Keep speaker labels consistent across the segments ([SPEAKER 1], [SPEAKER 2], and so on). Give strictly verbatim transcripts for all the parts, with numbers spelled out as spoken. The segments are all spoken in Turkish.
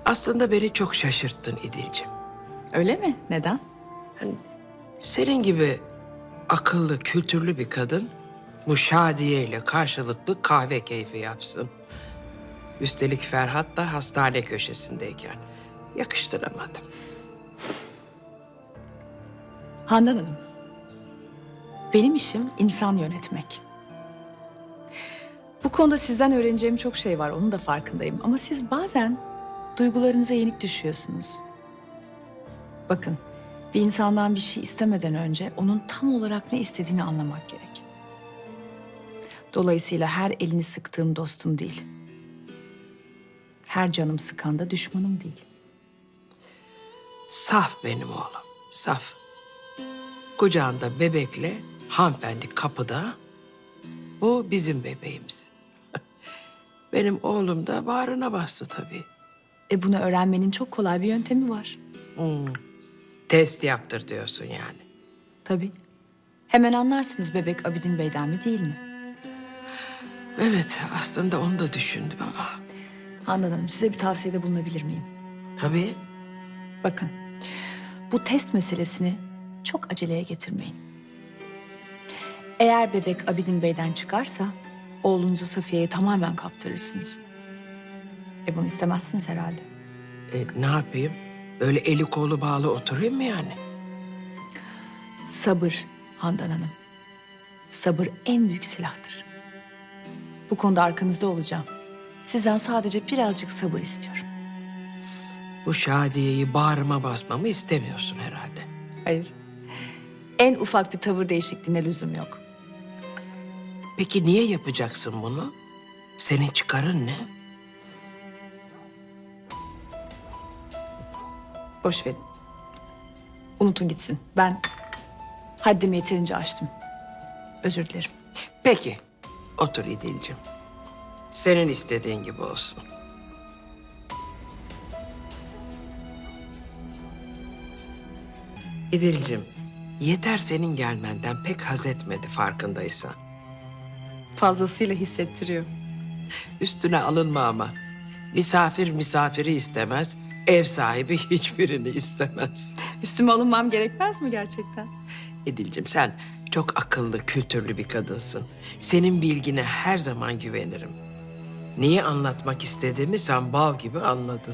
[SPEAKER 1] Aslında beni çok şaşırttın İdil'cim.
[SPEAKER 2] Öyle mi? Neden?
[SPEAKER 1] Senin gibi akıllı, kültürlü bir kadın bu Şadiye ile karşılıklı kahve keyfi yapsın. Üstelik Ferhat da hastane köşesindeyken yakıştıramadım.
[SPEAKER 2] Handan Hanım, benim işim insan yönetmek. Bu konuda sizden öğreneceğim çok şey var, onun da farkındayım. Ama siz bazen duygularınıza yenik düşüyorsunuz. Bakın, bir insandan bir şey istemeden önce onun tam olarak ne istediğini anlamak gerek. Dolayısıyla her elini sıktığım dostum değil. Her canım sıkan da düşmanım değil.
[SPEAKER 1] Saf benim oğlum, saf. Kucağında bebekle hanımefendi kapıda. Bu bizim bebeğimiz. Benim oğlum da bağrına bastı tabii.
[SPEAKER 2] E bunu öğrenmenin çok kolay bir yöntemi var.
[SPEAKER 1] Test yaptır diyorsun yani.
[SPEAKER 2] Tabii. Hemen anlarsınız bebek Abidin Bey'den mi değil mi?
[SPEAKER 1] Evet, aslında onu da düşündüm ama.
[SPEAKER 2] Handan Hanım, size bir tavsiyede bulunabilir miyim?
[SPEAKER 1] Tabii.
[SPEAKER 2] Bakın, bu test meselesini çok aceleye getirmeyin. Eğer bebek Abidin Bey'den çıkarsa, oğlunuzu Safiye'ye tamamen kaptırırsınız. E bunu istemezsiniz herhalde.
[SPEAKER 1] E, ne yapayım? Böyle eli kolu bağlı oturayım mı yani?
[SPEAKER 2] Sabır Handan Hanım. Sabır en büyük silahtır. Bu konuda arkanızda olacağım. Sizden sadece birazcık sabır istiyorum.
[SPEAKER 1] Bu Şadiye'yi bağrıma basmamı istemiyorsun herhalde.
[SPEAKER 2] Hayır. En ufak bir tavır değişikliğine lüzum yok.
[SPEAKER 1] Peki niye yapacaksın bunu? Senin çıkarın ne?
[SPEAKER 2] Boş verin. Unutun gitsin. Ben haddimi yeterince aştım. Özür dilerim.
[SPEAKER 1] Peki, otur İdil'cim. Senin istediğin gibi olsun. İdil'cim, yeter senin gelmenden pek haz etmedi farkındaysan.
[SPEAKER 2] Fazlasıyla hissettiriyor.
[SPEAKER 1] Üstüne alınma ama. Misafir misafiri istemez, ev sahibi hiçbirini istemez.
[SPEAKER 2] Üstüme alınmam gerekmez mi gerçekten?
[SPEAKER 1] İdil'cim sen çok akıllı, kültürlü bir kadınsın. Senin bilgine her zaman güvenirim. Neyi anlatmak istediğimi sen bal gibi anladın.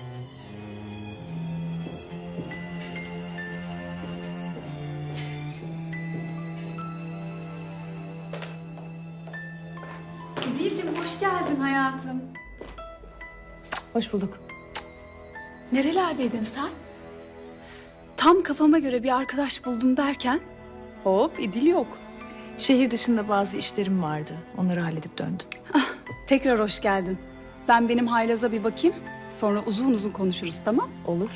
[SPEAKER 3] İdil'cim hoş geldin hayatım.
[SPEAKER 2] Hoş bulduk.
[SPEAKER 3] Nerelerdeydin sen? Tam kafama göre bir arkadaş buldum derken hop İdil yok.
[SPEAKER 2] Şehir dışında bazı işlerim vardı. Onları halledip döndüm.
[SPEAKER 3] Tekrar hoş geldin. Ben benim haylaza bir bakayım. Sonra uzun uzun konuşuruz, tamam?
[SPEAKER 2] Olur.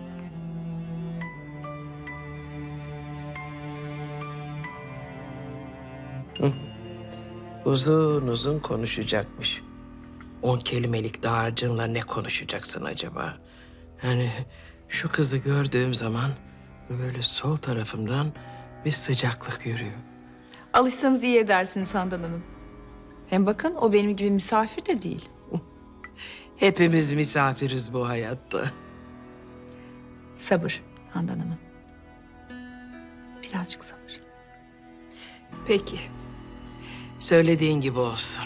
[SPEAKER 1] Uzun uzun konuşacakmış. On kelimelik dağarcığınla ne konuşacaksın acaba? Yani şu kızı gördüğüm zaman böyle sol tarafımdan bir sıcaklık yürüyor.
[SPEAKER 2] Alışsanız iyi edersiniz Handan Hanım. Hem bakın o benim gibi misafir de değil.
[SPEAKER 1] Hepimiz misafiriz bu hayatta.
[SPEAKER 2] Sabır Handan Hanım. Birazcık sabır.
[SPEAKER 1] Peki. Söylediğin gibi olsun.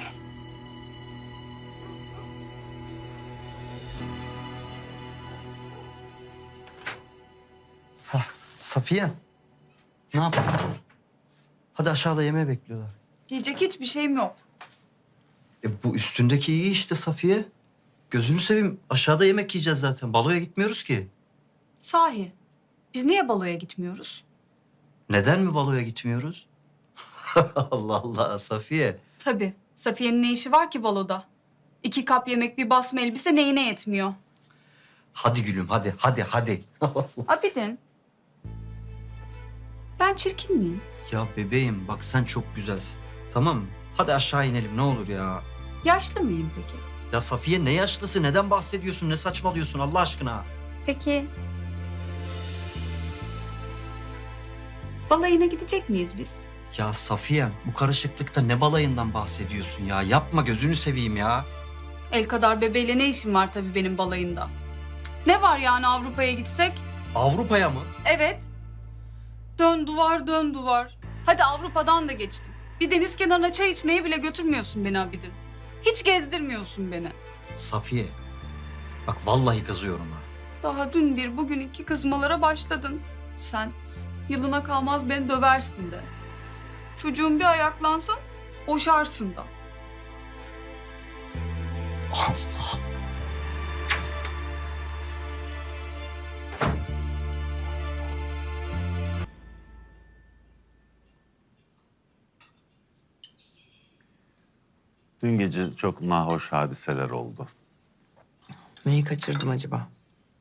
[SPEAKER 4] Safiye, ne yapıyorsun? Hadi aşağıda yemeği bekliyorlar.
[SPEAKER 3] Yiyecek hiçbir şeyim yok.
[SPEAKER 4] E bu üstündeki iyi işte Safiye. Gözünü seveyim, aşağıda yemek yiyeceğiz zaten. Baloya gitmiyoruz ki.
[SPEAKER 3] Sahi, biz niye baloya gitmiyoruz?
[SPEAKER 4] Neden mi baloya gitmiyoruz? Allah Allah Safiye.
[SPEAKER 3] Tabii, Safiye'nin ne işi var ki baloda? İki kap yemek, bir basma elbise neyine yetmiyor?
[SPEAKER 4] Hadi gülüm, hadi, hadi, hadi.
[SPEAKER 3] Abidin, ben çirkin miyim?
[SPEAKER 4] Ya bebeğim bak sen çok güzelsin. Tamam mı? Hadi aşağı inelim ne olur ya.
[SPEAKER 3] Yaşlı mıyım peki?
[SPEAKER 4] Ya Safiye ne yaşlısı? Neden bahsediyorsun? Ne saçmalıyorsun Allah aşkına?
[SPEAKER 3] Peki. Balayına gidecek miyiz biz?
[SPEAKER 4] Ya Safiye bu karışıklıkta ne balayından bahsediyorsun ya? Yapma gözünü seveyim ya.
[SPEAKER 3] El kadar bebeğiyle ne işim var tabii benim balayında? Ne var yani Avrupa'ya gitsek?
[SPEAKER 4] Avrupa'ya mı?
[SPEAKER 3] Evet. Dön duvar dön duvar. Hadi Avrupa'dan da geçtim. Bir deniz kenarına çay içmeye bile götürmüyorsun beni Abidin. Hiç gezdirmiyorsun beni.
[SPEAKER 4] Safiye. Bak vallahi kızıyorum ha.
[SPEAKER 3] Daha dün bir bugün iki kızmalara başladın. Sen yılına kalmaz beni döversin de. Çocuğun bir ayaklansın boşarsın da.
[SPEAKER 4] Allah.
[SPEAKER 5] Dün gece çok nahoş hadiseler oldu.
[SPEAKER 1] Neyi kaçırdım acaba?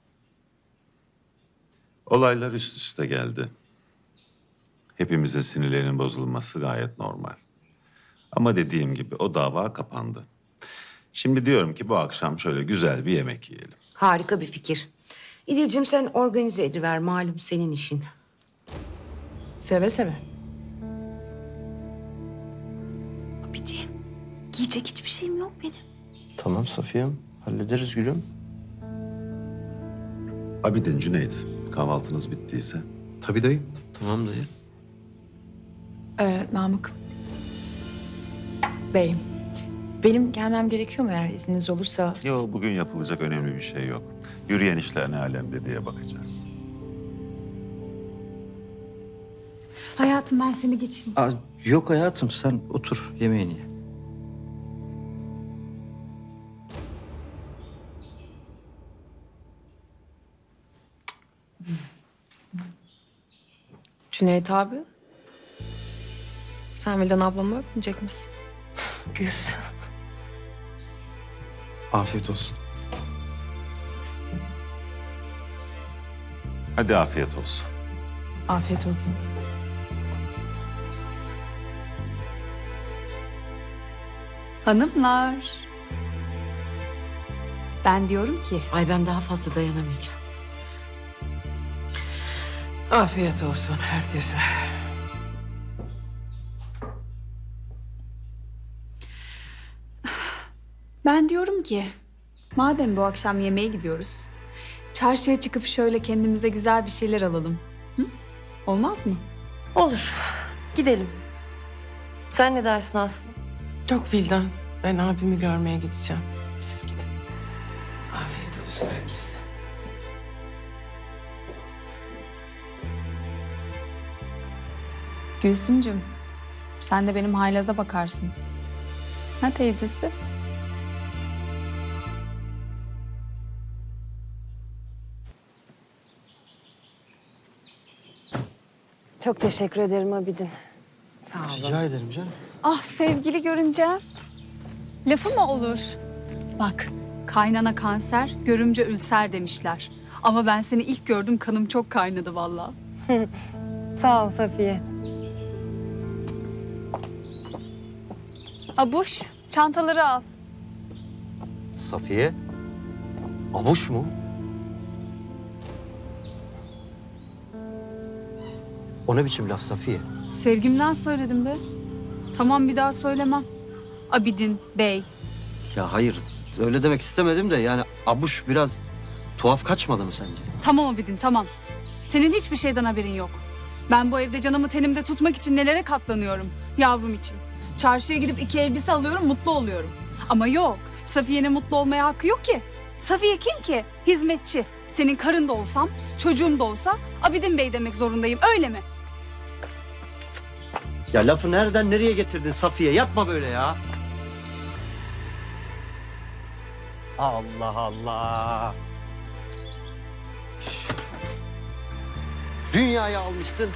[SPEAKER 5] Olaylar üst üste geldi. Hepimizin sinirlerinin bozulması gayet normal. Ama dediğim gibi o dava kapandı. Şimdi diyorum ki bu akşam şöyle güzel bir yemek yiyelim.
[SPEAKER 6] Harika bir fikir. İdil'cim sen organize ediver, malum senin işin.
[SPEAKER 2] Seve seve.
[SPEAKER 3] Abidin, giyecek hiçbir şeyim yok benim.
[SPEAKER 4] Tamam Safiye'm. Hallederiz gülüm.
[SPEAKER 5] Abidin, Cüneyt, kahvaltınız bittiyse.
[SPEAKER 4] Tabii dayı. Tamam dayı.
[SPEAKER 2] Ee, Namık Bey, benim gelmem gerekiyor mu eğer izniniz olursa?
[SPEAKER 5] Yok, bugün yapılacak önemli bir şey yok. Yürüyen işler ne alemde diye bakacağız.
[SPEAKER 3] Hayatım ben seni geçireyim.
[SPEAKER 4] Aa, yok hayatım sen otur yemeğini ye.
[SPEAKER 7] Cüneyt abi. Sen Vildan ablamı öpmeyecek misin?
[SPEAKER 1] Kız.
[SPEAKER 4] Afiyet olsun.
[SPEAKER 5] Hadi afiyet olsun.
[SPEAKER 2] Afiyet olsun.
[SPEAKER 3] Hanımlar. Ben diyorum ki
[SPEAKER 6] Ay ben daha fazla dayanamayacağım.
[SPEAKER 1] Afiyet olsun herkese.
[SPEAKER 3] Ben diyorum ki, madem bu akşam yemeğe gidiyoruz, çarşıya çıkıp şöyle kendimize güzel bir şeyler alalım. Hı? Olmaz mı?
[SPEAKER 7] Olur. Gidelim. Sen ne dersin Aslı?
[SPEAKER 1] Yok Vildan. Ben abimi görmeye gideceğim. Siz gidin. Afiyet olsun herkese.
[SPEAKER 3] Gülsümcüm, sen de benim haylaza bakarsın. Ha teyzesi?
[SPEAKER 7] Çok teşekkür ederim Abidin. Sağ olun.
[SPEAKER 4] Rica ederim canım.
[SPEAKER 3] Ah sevgili görünce lafı mı olur? Bak kaynana kanser, görümce ülser demişler. Ama ben seni ilk gördüm kanım çok kaynadı vallahi.
[SPEAKER 7] Sağ ol Safiye.
[SPEAKER 3] Abuş çantaları al.
[SPEAKER 4] Safiye. Abuş mu? O ne biçim laf Safiye?
[SPEAKER 3] Sevgimden söyledim be. Tamam bir daha söylemem. Abidin Bey.
[SPEAKER 4] Ya hayır öyle demek istemedim de yani abuş biraz tuhaf kaçmadı mı sence?
[SPEAKER 3] Tamam Abidin tamam. Senin hiçbir şeyden haberin yok. Ben bu evde canımı tenimde tutmak için nelere katlanıyorum yavrum için. Çarşıya gidip iki elbise alıyorum mutlu oluyorum. Ama yok Safiye'nin mutlu olmaya hakkı yok ki. Safiye kim ki? Hizmetçi. Senin karın da olsam, çocuğum da olsa Abidin Bey demek zorundayım öyle mi?
[SPEAKER 4] Ya lafı nereden nereye getirdin Safiye? Yapma böyle ya. Allah Allah. Dünyayı almışsın.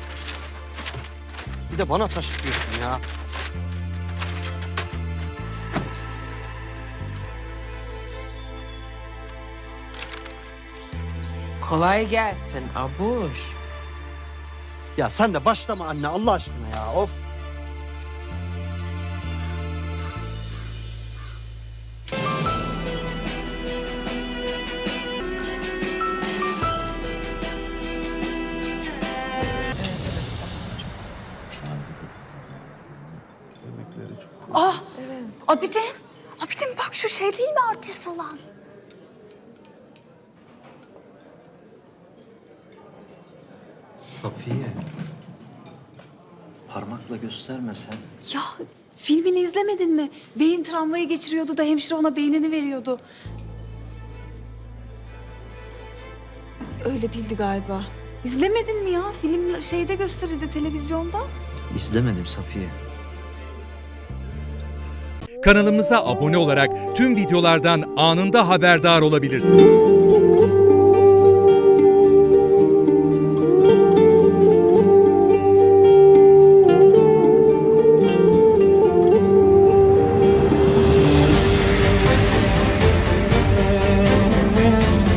[SPEAKER 4] Bir de bana taşıtıyorsun ya.
[SPEAKER 1] Kolay gelsin Abuş.
[SPEAKER 4] Ya sen de başlama anne Allah aşkına ya. Of.
[SPEAKER 3] Ah Abidin. Abidin bak şu şey değil mi artist olan?
[SPEAKER 4] Safiye. Parmakla gösterme sen.
[SPEAKER 3] Ya filmini izlemedin mi? Beyin travmayı geçiriyordu da hemşire ona beynini veriyordu. Öyle değildi galiba. İzlemedin mi ya? Film şeyde gösterildi televizyonda.
[SPEAKER 4] İzlemedim Safiye.
[SPEAKER 8] Kanalımıza abone olarak tüm videolardan anında haberdar olabilirsiniz.